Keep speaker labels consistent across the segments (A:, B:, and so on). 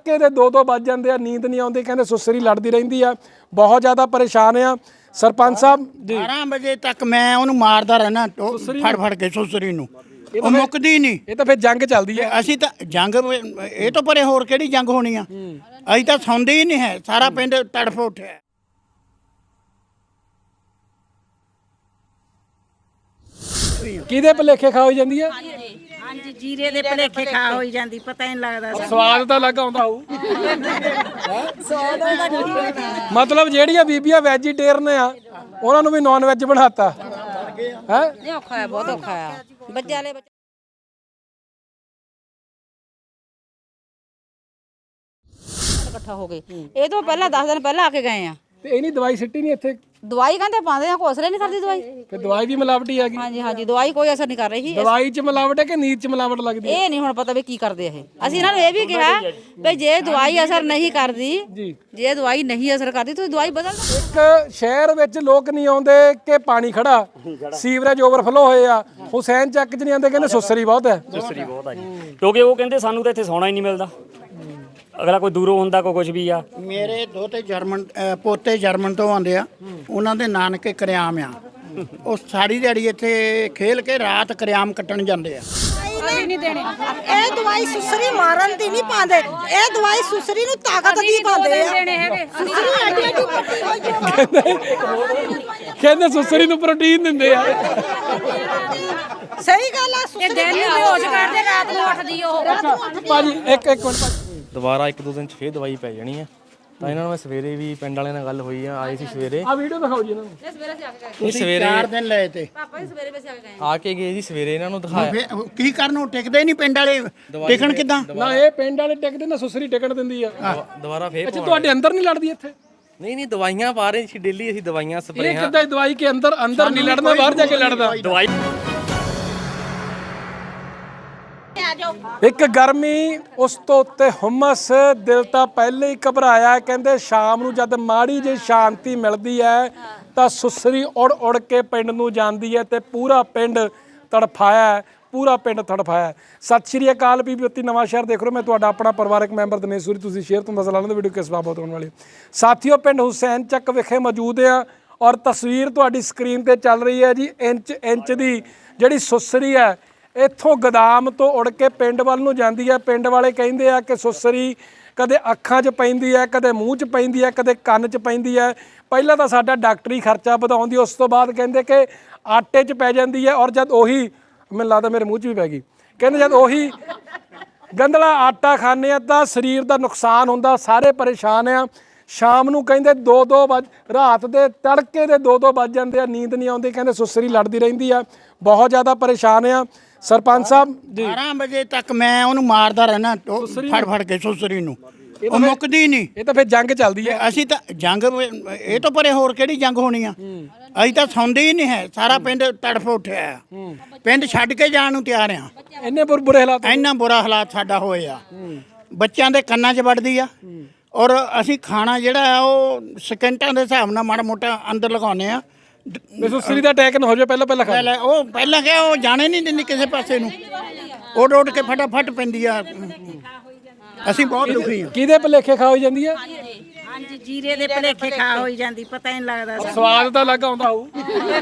A: तड़के दे 2-2 वज जाते हैं, नींद नहीं आती, कहते सुसरी लड़ती रही है, बहुत ज़्यादा परेशान आ। सरपंच साहब जी
B: 12 ਵਜੇ तक मैं ਉਹਨੂੰ ਮਾਰਦਾ ਰਹਿਣਾ ਫੜ ਫੜ ਕੇ ਸੁਸਰੀ ਨੂੰ, ਉਹ ਮੁੱਕਦੀ ਨਹੀਂ।
A: ਇਹ ਤਾਂ ਫਿਰ ਜੰਗ ਚੱਲਦੀ ਹੈ।
B: ਅਸੀਂ ਤਾਂ ਜੰਗ ਇਹ ਤੋਂ ਪਰੇ ਹੋਰ ਕਿਹੜੀ ਜੰਗ ਹੋਣੀ ਆ? ਅਸੀਂ ਤਾਂ ਸੌਂਦੇ ਹੀ ਨਹੀਂ ਹੈ, ਸਾਰਾ ਪਿੰਡ ਤੜਫ ਉੱਠਿਆ।
A: ਕਿਹਦੇ ਭੁਲੇਖੇ ਖਾ ਹੋਈ ਜਾਂਦੀ ਹੈ?
C: ਹਾਂਜੀ ਜੀਰੇ ਦੇ ਭਲੇਖੇ ਖਾ ਹੋਈ ਜਾਂਦੀ, ਪਤਾ ਹੀ ਨਹੀਂ ਲੱਗਦਾ।
A: ਸਵਾਦ ਤਾਂ ਲੱਗ ਆਉਂਦਾ ਹੋਊ। ਮਤਲਬ ਜਿਹੜੀਆਂ ਬੀਬੀਆਂ ਵੈਜੀਟੇਰੀਅਨ ਆ ਉਹਨਾਂ ਨੂੰ ਵੀ ਨਾਨ ਵੈਜ ਬਣਾਤਾ ਹੈ।
C: ਇਹ ਔਖਾ ਹੈ, ਬਹੁਤ ਔਖਾ ਆ ਬੱਚੇ ਵਾਲੇ ਇਕੱਠਾ ਹੋ ਗਏ। ਇਹ ਤੋਂ ਪਹਿਲਾਂ 10 ਦਿਨ ਪਹਿਲਾਂ ਆ ਕੇ ਗਏ ਆ
A: ਤੇ ਇਹ ਨਹੀਂ ਦਵਾਈ ਸਿੱਟੀ ਨਹੀਂ ਇੱਥੇ?
C: ਦਵਾਈ ਕਹਿੰਦੇ ਪਾਉਂਦੇ ਆ, ਕੋਈ ਅਸਰ ਨਹੀਂ ਕਰਦੀ ਦਵਾਈ।
A: ਤੇ ਦਵਾਈ ਵੀ ਮਿਲਾਵਟੀ ਆ ਗਈ?
C: ਹਾਂਜੀ ਹਾਂਜੀ ਦਵਾਈ ਕੋਈ ਅਸਰ ਨਹੀਂ ਕਰ ਰਹੀ।
A: ਦਵਾਈ 'ਚ ਮਿਲਾਵਟ ਹੈ ਕਿ ਨੀਂਦ 'ਚ ਮਿਲਾਵਟ ਲੱਗਦੀ ਹੈ?
C: ਇਹ ਨਹੀਂ ਹੁਣ ਪਤਾ ਵੀ ਕੀ ਕਰਦੇ ਇਹ। ਅਸੀਂ ਇਹਨਾਂ ਨੂੰ ਇਹ ਵੀ ਕਿਹਾ ਵੀ ਜੇ ਦਵਾਈ ਅਸਰ ਨਹੀਂ ਕਰਦੀ, ਜੇ ਦਵਾਈ ਨਹੀਂ ਅਸਰ ਕਰਦੀ ਤੁਸੀਂ ਦਵਾਈ ਬਦਲ ਦਿਓ।
A: ਇੱਕ ਸ਼ਹਿਰ ਵਿੱਚ ਲੋਕ ਨਹੀਂ ਆਉਂਦੇ ਕਿ ਪਾਣੀ ਖੜਾ, ਸੀਵਰੇਜ ਓਵਰਫਲੋ ਹੋਏ ਆ। ਹੁਸੈਨ ਚੱਕ 'ਚ ਨਹੀਂ ਆਉਂਦੇ, ਕਹਿੰਦੇ ਸੁਸਰੀ ਬਹੁਤ ਹੈ।
D: ਸੁਸਰੀ ਬਹੁਤ ਆ ਜੀ, ਕਿਉਂਕਿ ਉਹ ਕਹਿੰਦੇ ਸਾਨੂੰ ਤਾਂ ਇੱਥੇ ਸੌਣਾ ਹੀ ਨਹੀਂ ਮਿਲਦਾ। ਅਗਲਾ ਕੋਈ ਦੂਰੋਂ ਹੁੰਦਾ, ਕੋਈ ਕੁਝ ਵੀ ਆ।
B: ਮੇਰੇ ਦੋਤੇ ਜਰਮਨ ਪੋਤੇ ਜਰਮਨ ਤੋਂ ਆਉਂਦੇ ਆ, ਉਹਨਾਂ ਦੇ ਨਾਨਕੇ ਕਰਿਆਮ ਆ। ਉਹ ਸਾਰੀ ਦਿਹਾੜੀ ਇੱਥੇ ਖੇਲ ਕੇ ਰਾਤ ਕਰਿਆਮ ਕੱਟਣ ਜਾਂਦੇ ਆ।
E: ਨਹੀਂ ਦੇਣੇ ਇਹ ਦਵਾਈ ਸੁਸਰੀ ਮਾਰਨ ਦੀ ਨਹੀਂ ਪਾਉਂਦੇ, ਇਹ ਦਵਾਈ ਸੁਸਰੀ ਨੂੰ ਤਾਕਤ ਦੀ ਪਾਉਂਦੇ ਆ। ਸੁਸਰੀ ਐਡੀ ਐਡੀ ਪੱਟੀ ਹੋਈ
A: ਕਹਿੰਦੇ ਸੁਸਰੀ ਨੂੰ ਪ੍ਰੋਟੀਨ ਦਿੰਦੇ ਆ।
E: ਸਹੀ ਗੱਲ ਆ। ਸੁਸਰੀ
C: ਦਿਨ ਨੂੰ ਬੇਹੋਸ਼ ਕਰਦੇ, ਰਾਤ ਨੂੰ ਉੱਠਦੀ ਉਹ।
A: ਭਾਜੀ ਇੱਕ ਮਿੰਟ ਭਾਜੀ,
F: ਦੁਬਾਰਾ 1-2 ਦਿਨ 'ਚ ਫੇਰ ਦਵਾਈ ਪੈ ਜਾਣੀ ਆ। ਤਾਂ ਇਹਨਾਂ ਨੂੰ ਮੈਂ ਸਵੇਰੇ ਵੀ ਪਿੰਡ ਵਾਲਿਆਂ ਨਾਲ ਗੱਲ ਹੋਈ ਆ, ਆਏ ਸੀ ਸਵੇਰੇ।
A: ਆ ਵੀਡੀਓ ਦਿਖਾਓ ਜੀ ਇਹਨਾਂ ਨੂੰ।
F: ਨਹੀਂ ਸਵੇਰੇ
B: 4 ਦਿਨ ਲਏ ਤੇ
C: ਪਾਪਾ ਜੀ ਸਵੇਰੇ ਵਸੇ ਆ ਗਏ।
F: ਆ ਕੇ ਗਏ ਜੀ, ਸਵੇਰੇ ਇਹਨਾਂ ਨੂੰ ਦਿਖਾਇਆ।
B: ਫਿਰ ਕੀ ਕਰਨ, ਉਹ ਟਿਕਦੇ ਨਹੀਂ ਪਿੰਡ ਵਾਲੇ, ਟਿਕਣ ਕਿੱਦਾਂ?
A: ਨਾ ਇਹ ਪਿੰਡ ਵਾਲੇ ਟਿਕਦੇ ਨਾ, ਸੁਸਰੀ ਟਿਕਣ ਦਿੰਦੀ ਆ।
F: ਦੁਬਾਰਾ ਫੇਰ
A: ਅੱਛਾ ਤੁਹਾਡੇ ਅੰਦਰ ਨਹੀਂ ਲੜਦੀ ਇੱਥੇ?
F: ਨਹੀਂ ਦਵਾਈਆਂ ਪਾ ਰਹੇ ਸੀ ਡੇਲੀ, ਅਸੀਂ ਦਵਾਈਆਂ
A: ਇਹ
F: ਸਪਰੇਆਂ।
A: ਕਿੱਦਾਂ ਦਵਾਈ ਕੇ ਅੰਦਰ ਨਹੀਂ ਲੜਨਾ, ਬਾਹਰ ਜਾ ਕੇ ਲੜਦਾ।
D: ਦਵਾਈ
A: ਇੱਕ ਗਰਮੀ, ਉਸ ਤੋਂ ਉੱਤੇ ਹੁਮਸ, ਦਿਲ ਤਾਂ ਪਹਿਲੇ ਹੀ ਘਬਰਾਇਆ। ਕਹਿੰਦੇ ਸ਼ਾਮ ਨੂੰ ਜਦ ਮਾੜੀ ਜਿਹੀ ਸ਼ਾਂਤੀ ਮਿਲਦੀ ਹੈ ਤਾਂ ਸੁਸਰੀ ਉੜ ਉੜ ਕੇ ਪਿੰਡ ਨੂੰ ਜਾਂਦੀ ਹੈ ਤੇ ਪੂਰਾ ਪਿੰਡ ਤੜਫਾਇਆ, ਪੂਰਾ ਪਿੰਡ ਤੜਫਾਇਆ। ਸਤਿ ਸ਼੍ਰੀ ਅਕਾਲ, ਪੀਪੀਤੀ ਨਵਾਂ ਸ਼ਹਿਰ ਦੇਖ ਰਹੇ ਹੋ। ਮੈਂ ਤੁਹਾਡਾ ਆਪਣਾ ਪਰਿਵਾਰਕ ਮੈਂਬਰ ਦਿਨੇਸ਼ ਸੂਰੀ। ਤੁਸੀਂ ਸ਼ੇਅਰ ਤੋਂ ਦੱਸ ਲੈਣਾ ਵੀਡੀਓ ਕਿਸ ਬਾਬਤ ਹੋਣ ਵਾਲੀ। ਸਾਥੀਓ, ਪਿੰਡ ਹੁਸੈਨ ਚੱਕ ਵਿਖੇ ਮੌਜੂਦ ਆ ਔਰ ਤਸਵੀਰ ਤੁਹਾਡੀ ਸਕਰੀਨ ਤੇ ਚੱਲ ਰਹੀ ਹੈ ਜੀ। ਇੰਚ ਦੀ ਜਿਹੜੀ ਸੁਸਰੀ ਹੈ ਇੱਥੋਂ ਗੋਦਾਮ ਤੋਂ ਉੜ ਕੇ ਪਿੰਡ ਵੱਲ ਨੂੰ ਜਾਂਦੀ ਹੈ। ਪਿੰਡ ਵਾਲੇ ਕਹਿੰਦੇ ਆ ਕਿ ਸੁਸਰੀ ਕਦੇ ਅੱਖਾਂ 'ਚ ਪੈਂਦੀ ਹੈ, ਕਦੇ ਮੂੰਹ 'ਚ ਪੈਂਦੀ ਹੈ, ਕਦੇ ਕੰਨ 'ਚ ਪੈਂਦੀ ਹੈ। ਪਹਿਲਾਂ ਤਾਂ ਸਾਡਾ ਡਾਕਟਰੀ ਖਰਚਾ ਵਧਾਉਂਦੀ, ਉਸ ਤੋਂ ਬਾਅਦ ਕਹਿੰਦੇ ਕਿ ਆਟੇ 'ਚ ਪੈ ਜਾਂਦੀ ਹੈ। ਔਰ ਜਦ ਉਹੀ, ਮੈਨੂੰ ਲੱਗਦਾ ਮੇਰੇ ਮੂੰਹ 'ਚ ਵੀ ਪੈ ਗਈ, ਕਹਿੰਦੇ ਜਦ ਉਹੀ ਗੰਦਲਾ ਆਟਾ ਖਾਂਦੇ ਆ ਤਾਂ ਸਰੀਰ ਦਾ ਨੁਕਸਾਨ ਹੁੰਦਾ, ਸਾਰੇ ਪਰੇਸ਼ਾਨ ਆ। ਸ਼ਾਮ ਨੂੰ ਕਹਿੰਦੇ 2-2 ਵਜ, ਰਾਤ ਦੇ ਤੜਕੇ ਦੇ 2-2 ਵਜ ਜਾਂਦੇ ਆ, ਨੀਂਦ ਨਹੀਂ ਆਉਂਦੀ, ਕਹਿੰਦੇ ਸੁਸਰੀ ਲੜਦੀ ਰਹਿੰਦੀ ਆ, ਬਹੁਤ ਜ਼ਿਆਦਾ ਪਰੇਸ਼ਾਨ ਆ। ਸਰਪੰਚ ਸਾਹਿਬ ਜੀ
B: 12 ਵਜੇ ਤੱਕ ਮੈਂ ਉਹਨੂੰ ਮਾਰਦਾ ਰਹਿਣਾ ਫੜ ਫੜ ਕੇ ਸੁਸਰੀ ਨੂੰ, ਉਹ ਮੁੱਕਦੀ ਨਹੀਂ।
A: ਇਹ ਤਾਂ ਫਿਰ ਜੰਗ ਚੱਲਦੀ ਹੈ।
B: ਅਸੀਂ ਤਾਂ ਜੰਗ ਇਹ ਤੋਂ ਪਰੇ ਹੋਰ ਕਿਹੜੀ ਜੰਗ ਹੋਣੀ ਆ? ਅਸੀਂ ਤਾਂ ਸੌਂਦੇ ਹੀ ਨਹੀਂ ਹੈ, ਸਾਰਾ ਪਿੰਡ ਤੜਫ ਉੱਠਿਆ। ਪਿੰਡ ਛੱਡ ਕੇ ਜਾਣ ਨੂੰ ਤਿਆਰ ਆ।
A: ਇੰਨੇ ਬੁਰੇ ਹਾਲਾਤ,
B: ਇੰਨਾ ਬੁਰਾ ਹਾਲਾਤ ਸਾਡਾ ਹੋਏ ਆ। ਬੱਚਿਆਂ ਦੇ ਕੰਨਾਂ 'ਚ ਵੜਦੀ ਆ। ਔਰ ਅਸੀਂ ਖਾਣਾ ਜਿਹੜਾ ਆ ਉਹ ਸਕਿੰਟਾਂ ਦੇ ਹਿਸਾਬ ਨਾਲ ਮਾੜਾ ਮੋਟਾ ਅੰਦਰ ਲਗਾਉਂਦੇ ਆ।
A: ਸੁਸਰੀ ਦਾ ਅਟੈਕ ਨਾ ਹੋ ਜਾਵੇ ਪਹਿਲਾਂ ਖਾ ਲੈ।
B: ਉਹ ਪਹਿਲਾਂ ਕਿਹਾ, ਉਹ ਜਾਣੇ ਨਹੀਂ ਦਿੰਦੀ ਕਿਸੇ ਪਾਸੇ ਨੂੰ, ਉੱਡ ਉੱਡ ਕੇ ਫਟਾਫਟ ਪੈਂਦੀ ਆ। ਅਸੀਂ ਬਹੁਤ ਦੁਖੀ ਆ।
A: ਕਿਹਦੇ ਭੁਲੇਖੇ ਖਾ ਹੋਈ ਜਾਂਦੀ ਹੈ?
C: ਹਾਂਜੀ ਜੀਰੇ ਦੇ ਭਲੇਖੇ ਖਾ ਹੋਈ ਜਾਂਦੀ, ਪਤਾ ਹੀ ਨਹੀਂ ਲੱਗਦਾ।
A: ਸਵਾਦ ਤਾਂ ਲੱਗ ਆਉਂਦਾ ਹੋਊ।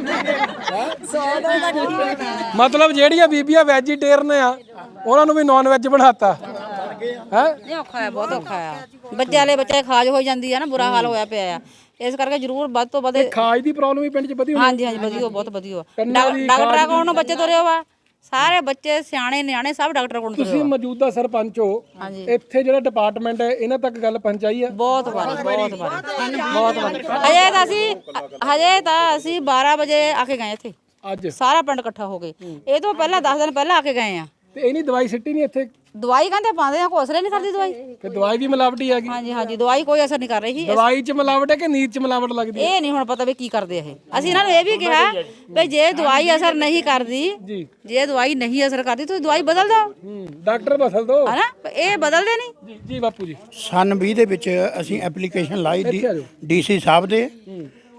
A: ਮਤਲਬ ਜਿਹੜੀਆਂ ਬੀਬੀਆਂ ਵੈਜੀਟੇਰੀਅਨ ਆ ਉਹਨਾਂ ਨੂੰ ਵੀ ਨਾਨ ਵੈਜ ਬਣਾਤਾ ਹੈ।
C: ਇਹ ਔਖਾ ਹੈ, ਬਹੁਤ ਔਖਾ ਆ ਬੱਚੇ ਵਾਲੇ ਬੱਚੇ ਖਾਜ ਹੋ ਜਾਂਦੀ ਆ ਨਾ, ਬੁਰਾ ਹਾਲ ਹੋਇਆ ਪਿਆ ਆ। ਇਸ ਕਰਕੇ ਜ਼ਰੂਰ ਵੱਧ ਤੋਂ ਵੱਧ
A: ਖਾਜ ਦੀ ਪ੍ਰੋਬਲਮ ਵੀ ਪਿੰਡ 'ਚ ਵਧੀ ਹੋਈ?
C: ਹਾਂਜੀ ਹਾਂਜੀ ਵਧੀਆ, ਬਹੁਤ ਵਧੀਆ। ਡਾਕਟਰਾਂ ਕੋਲ ਨੂੰ ਬੱਚੇ ਤੁਰੇ ਵਾ, ਸਾਰੇ ਬੱਚੇ ਸਿਆਣੇ ਨਿਆਣੇ ਸਭ ਡਾਕਟਰ ਕੋਲ ਤੁਰੇ।
A: ਤੁਸੀਂ ਮੌਜੂਦਾ ਸਰਪੰਚ ਹੋ, ਇੱਥੇ ਜਿਹੜਾ ਡਿਪਾਰਟਮੈਂਟ ਹੈ ਇਹਨਾਂ ਤੱਕ ਗੱਲ ਪਹੁੰਚਾਈ ਹੈ?
C: ਬਹੁਤ ਵਾਰੀ ਬਹੁਤ ਵਾਰੀ। ਹਜੇ ਤਾਂ ਅਸੀਂ 12 ਵਜੇ ਆ ਕੇ ਗਏ ਇੱਥੇ,
A: ਅੱਜ
C: ਸਾਰਾ ਪਿੰਡ ਇਕੱਠਾ ਹੋ ਗਏ। ਇਹ ਤੋਂ ਪਹਿਲਾਂ 10 ਦਿਨ ਪਹਿਲਾਂ ਆ ਕੇ ਗਏ ਆ।
A: ਤੇ ਇਹ ਨਹੀਂ ਦਵਾਈ ਸਿੱਟੀ ਨਹੀਂ ਇੱਥੇ?
C: ਦਵਾਈ ਕਹਿੰਦੇ ਪਾਉਂਦੇ ਆ, ਕੋਈ ਅਸਰ ਨਹੀਂ ਕਰਦੀ ਦਵਾਈ।
A: ਤੇ ਦਵਾਈ ਵੀ ਮਿਲਾਵਟੀ ਆ ਗਈ?
C: ਹਾਂਜੀ ਹਾਂਜੀ ਦਵਾਈ ਕੋਈ ਅਸਰ ਨਹੀਂ ਕਰ ਰਹੀ।
A: ਦਵਾਈ 'ਚ ਮਿਲਾਵਟ ਹੈ ਕਿ ਨੀਂਦ 'ਚ ਮਿਲਾਵਟ ਲੱਗਦੀ ਹੈ?
C: ਇਹ ਨਹੀਂ ਹੁਣ ਪਤਾ ਵੀ ਕੀ ਕਰਦੇ ਇਹ। ਅਸੀਂ ਇਹਨਾਂ ਨੂੰ ਇਹ ਵੀ ਕਿਹਾ ਵੀ ਜੇ ਦਵਾਈ ਅਸਰ ਨਹੀਂ ਕਰਦੀ, ਜੇ ਦਵਾਈ ਨਹੀਂ ਅਸਰ ਕਰਦੀ ਤੁਸੀਂ ਦਵਾਈ ਬਦਲ ਦਿਓ।
A: ਡਾਕਟਰ ਬਦਲ ਦੋ
C: ਹਨਾ, ਇਹ ਬਦਲਦੇ ਨਹੀਂ।
A: ਜੀ ਜੀ ਬਾਪੂ ਜੀ।
B: ਸਨ 20 ਦੇ ਵਿੱਚ ਅਸੀਂ ਐਪਲੀਕੇਸ਼ਨ ਲਾਈ ਡੀਸੀ ਸਾਹਿਬ ਦੇ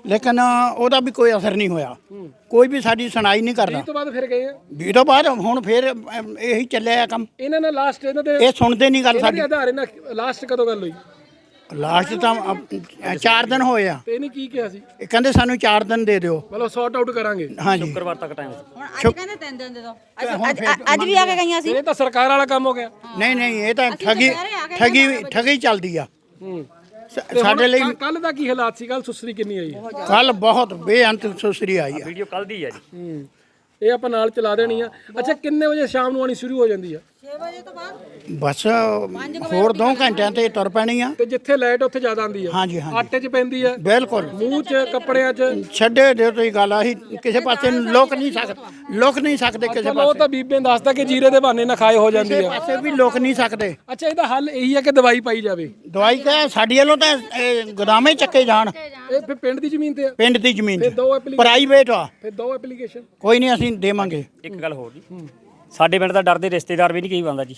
B: ਲੇਕਿਨ ਉਹਦਾ ਵੀ ਕੋਈ ਅਸਰ ਨਹੀਂ ਹੋਇਆ, ਕੋਈ ਵੀ ਸਾਡੀ ਸੁਣਾਈ ਨਹੀਂ ਕਰਦਾ।
A: ਇਸ ਤੋਂ ਬਾਅਦ ਫਿਰ ਗਏ ਆ
B: ਵੀ ਤੋਂ ਬਾਅਦ ਹੁਣ ਫਿਰ ਇਹੀ ਚੱਲਿਆ ਕੰਮ।
A: ਇਹਨਾਂ ਨਾਲ ਲਾਸਟ ਇਹਨਾਂ ਦੇ
B: ਇਹ ਸੁਣਦੇ ਨਹੀਂ ਗੱਲ
A: ਇਹਨਾਂ ਦੇ
B: ਸਾਡੀ।
A: ਆਧਾਰ ਇਹਨਾਂ ਲਾਸਟ ਕਦੋਂ ਗੱਲ ਹੋਈ
B: ਲਾਸਟ ਤਾਂ 4 ਦਿਨ ਹੋਏ ਆ।
A: ਤੇ ਇਹਨੇ ਕੀ ਕਿਹਾ ਸੀ
B: ਇਹ ਕਹਿੰਦੇ ਸਾਨੂੰ 4 ਦਿਨ ਦੇ ਦਿਓ।
A: ਮਤਲਬ ਸੌਟ ਆਊਟ ਕਰਾਂਗੇ।
B: ਹਾਂਜੀ
D: ਸ਼ੁੱਕਰਵਾਰ ਤੱਕ ਟਾਈਮ
C: ਹੁਣ ਅੱਜ ਕਹਿੰਦੇ 3 ਦਿਨ ਦੇ ਦੋ ਅੱਜ ਵੀ ਆ ਕੇ ਗਈਆਂ ਸੀ।
A: ਇਹ ਤਾਂ ਸਰਕਾਰ ਵਾਲਾ ਕੰਮ ਹੋ ਗਿਆ।
B: ਨਹੀਂ ਇਹ ਤਾਂ ਠਗੀ ਚੱਲਦੀ ਆ ਸਾਡੇ ਲਈ।
A: ਕੱਲ ਦਾ ਕੀ ਹਾਲਾਤ ਸੀ? ਕੱਲ ਸੁਸਰੀ ਕਿੰਨੀ ਆਈ ਹੈ?
B: ਕੱਲ ਬਹੁਤ ਬੇਅੰਤ ਸੁਸਰੀ ਆਈ ਆ।
D: ਵੀਡੀਓ ਕੱਲ ਦੀ ਹੈ ਜੀ।
A: ਇਹ ਆਪਾਂ ਨਾਲ ਚਲਾ ਦੇਣੀ ਆ। ਅੱਛਾ ਕਿੰਨੇ ਵਜੇ ਸ਼ਾਮ ਨੂੰ ਆਣੀ ਸ਼ੁਰੂ ਹੋ ਜਾਂਦੀ ਆ?
E: 6 ਵਜੇ ਤੋਂ ਬਾਅਦ
B: ਬਸ ਹੋਰ 2 ਘੰਟਿਆਂ ਤੇ ਤੁਰ ਪੈਣੀ ਆ।
A: ਤੇ ਜਿੱਥੇ ਲਾਈਟ ਉੱਥੇ ਜ਼ਿਆਦਾ ਆਉਂਦੀ ਆ।
B: ਹਾਂਜੀ
A: ਆਟੇ 'ਚ ਪੈਂਦੀ ਆ,
B: ਬਿਲਕੁਲ
A: ਮੂੰਹ 'ਚ, ਕੱਪੜਿਆਂ 'ਚ।
B: ਛੱਡੇ ਦਿਓ ਤੁਸੀਂ ਗੱਲ। ਆਹੀ ਕਿਸੇ ਪਾਸੇ ਨੂੰ ਲੁਕ ਨਹੀਂ ਸਕਦੇ ਕਿਸੇ
A: ਚਲੋ ਉਹ ਤਾਂ ਬੀਬੇ ਨੇ ਦੱਸਦਾ ਕਿ ਜੀਰੇ ਦੇ ਬਹਾਨੇ ਨਾ ਖਾਏ ਹੋ ਜਾਂਦੀ ਆ।
B: ਪਾਸੇ ਵੀ ਲੁਕ ਨਹੀਂ ਸਕਦੇ।
A: ਅੱਛਾ ਇਹਦਾ ਹੱਲ ਇਹੀ ਹੈ ਕਿ ਦਵਾਈ ਪਾਈ ਜਾਵੇ।
B: ਦਵਾਈ ਤਾਂ ਸਾਡੀ ਵੱਲੋਂ ਤਾਂ ਗੋਦਾਮੇ ਚੱਕੇ ਜਾਣ।
A: ਇਹ ਫਿਰ ਪਿੰਡ ਦੀ ਜ਼ਮੀਨ ਤੇ ਆ।
B: ਪਿੰਡ ਦੀ ਜ਼ਮੀਨ
A: ਫਿਰ ਦੋ
B: ਪ੍ਰਾਈਵੇਟ ਆ।
A: ਫਿਰ ਦੋ ਐਪਲੀਕੇਸ਼ਨ।
B: ਕੋਈ ਨਹੀਂ ਅਸੀਂ ਦੇਵਾਂਗੇ।
D: ਇੱਕ ਗੱਲ ਹੋਰ ਜੀ, ਸਾਡੇ ਪਿੰਡ ਦਾ ਡਰਦੇ ਰਿਸ਼ਤੇਦਾਰ ਵੀ ਨਹੀਂ ਕਹੀ ਪਾਉਂਦਾ ਜੀ।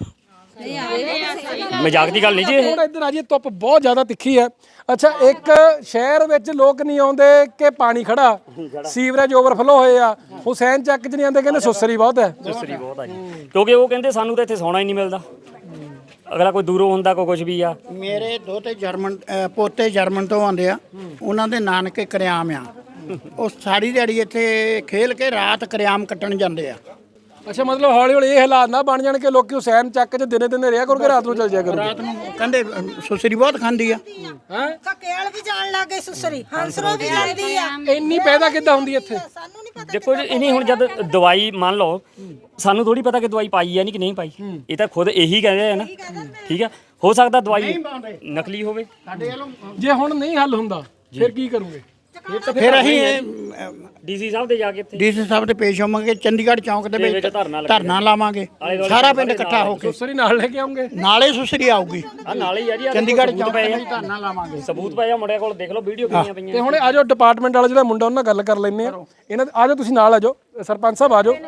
D: ਮਜ਼ਾਕ ਦੀ ਗੱਲ ਨਹੀਂ ਜੀ ਇਹ।
A: ਹੁਣ ਇੱਧਰ ਆ ਜੀ, ਧੁੱਪ ਬਹੁਤ ਜ਼ਿਆਦਾ ਤਿੱਖੀ ਹੈ। ਅੱਛਾ ਇੱਕ ਸ਼ਹਿਰ ਵਿੱਚ ਲੋਕ ਨਹੀਂ ਆਉਂਦੇ ਕਿ ਪਾਣੀ ਖੜਾ, ਸੀਵਰੇਜ ਓਵਰਫਲੋ ਹੋਏ ਆ। ਹੁਸੈਨ ਚੱਕ 'ਚ ਨਹੀਂ ਆਉਂਦੇ, ਕਹਿੰਦੇ ਸੁਸਰੀ ਬਹੁਤ ਹੈ।
D: ਸੁਸਰੀ ਬਹੁਤ ਆ ਜੀ, ਕਿਉਂਕਿ ਉਹ ਕਹਿੰਦੇ ਸਾਨੂੰ ਤਾਂ ਇੱਥੇ ਸੌਣਾ ਹੀ ਨਹੀਂ ਮਿਲਦਾ। ਅਗਲਾ ਕੋਈ ਦੂਰੋਂ ਹੁੰਦਾ ਕੋਈ ਕੁਝ ਵੀ ਆ।
B: ਮੇਰੇ ਦੋਤੇ ਪੋਤੇ ਜਰਮਨ ਤੋਂ ਆਉਂਦੇ ਆ। ਉਹਨਾਂ ਦੇ ਨਾਨਕੇ ਕਰਿਆਮ ਆ। ਉਹ ਸਾਰੀ ਦਿਹਾੜੀ ਇੱਥੇ ਖੇਲ ਕੇ ਰਾਤ ਕਰਿਆਮ ਕੱਟਣ ਜਾਂਦੇ ਆ।
A: ਅੱਛਾ ਮਤਲਬ ਹੌਲੀ ਹੌਲੀ ਇਹ ਹਾਲਾਤ ਨਾ ਬਣ ਜਾਣ ਕਿ ਲੋਕੀ ਹੁਸੈਨ ਚੱਕ 'ਚ ਦਿਨੇ ਰਿਹਾ ਕਰੋਗੇ, ਰਾਤ ਨੂੰ ਚੱਲ ਜਾਇਆ ਕਰੋਗੇ।
B: ਰਾਤ ਨੂੰ ਕਹਿੰਦੇ ਸੁਸਰੀ ਬਹੁਤ ਖਾਂਦੀ ਆ।
A: ਹੈ
E: ਕਕੇਲ ਵੀ ਜਾਣ ਲੱਗ ਗਏ ਸੁਸਰੀ, ਹੰਸਰੋ ਵੀ ਜਾਂਦੀ ਆ।
A: ਇੰਨੀ ਪੈਦਾ ਕਿੱਦਾਂ ਹੁੰਦੀ ਇੱਥੇ?
E: ਸਾਨੂੰ ਨਹੀਂ ਪਤਾ।
D: ਦੇਖੋ ਜੀ ਇਨੀ ਹੁਣ ਜਦ ਦਵਾਈ ਮੰਨ ਲਓ, ਸਾਨੂੰ ਥੋੜੀ ਪਤਾ ਕਿ ਦਵਾਈ ਪਾਈ ਆ ਨਹੀਂ ਕਿ ਨਹੀਂ ਪਾਈ। ਇਹ ਤਾਂ ਖੁਦ ਇਹੀ ਕਹਿੰਦੇ ਆ ਨਾ। ਠੀਕ ਆ, ਹੋ ਸਕਦਾ ਦਵਾਈ ਨਕਲੀ ਹੋਵੇ।
A: ਜੇ ਹੁਣ ਨਹੀਂ ਹੱਲ ਹੁੰਦਾ ਫਿਰ ਕੀ ਕਰੋਗੇ?
B: ਫਿਰ ਅਸੀਂ
D: ਡੀਸੀ ਸਾਹਿਬ ਦੇ ਜਾ ਕੇ ਇੱਥੇ
B: ਡੀਸੀ ਸਾਹਿਬ ਦੇ ਪੇਸ਼ ਹੋਵਾਂਗੇ। ਚੰਡੀਗੜ੍ਹ ਚੌਂਕ ਦੇ ਵਿੱਚ ਧਰਨਾ ਲਾਵਾਂਗੇ। ਸਾਰਾ ਪਿੰਡ ਇਕੱਠਾ ਹੋ ਕੇ
A: ਸੁਸਰੀ ਨਾਲ ਲੈ ਕੇ ਆਉਂਗੇ।
B: ਨਾਲੇ ਸੁਸਰੀ ਆਊਗੀ।
D: ਆ ਨਾਲੇ ਹੀ ਆ ਜੀ।
B: ਚੰਡੀਗੜ੍ਹ ਚੌਂਕ ਤੇ ਧਰਨਾ ਲਾਵਾਂਗੇ।
D: ਸਬੂਤ ਪਏ ਆ ਮੁੰਡਿਆਂ ਕੋਲ, ਦੇਖ ਲਓ ਵੀਡੀਓ ਕਿੰਨੀਆਂ ਪਈਆਂ।
A: ਤੇ ਹੁਣ ਆਜੋ ਡਿਪਾਰਟਮੈਂਟ ਵਾਲਾ ਜਿਹੜਾ ਮੁੰਡਾ ਉਹਨਾਂ ਨਾਲ ਗੱਲ ਕਰ ਲੈਂਦੇ ਆ। ਇਹਨਾਂ ਆਜੋ ਤੁਸੀਂ ਨਾਲ ਆਜੋ, ਸਰਪੰਚ ਸਾਹਿਬ ਆਜੋ।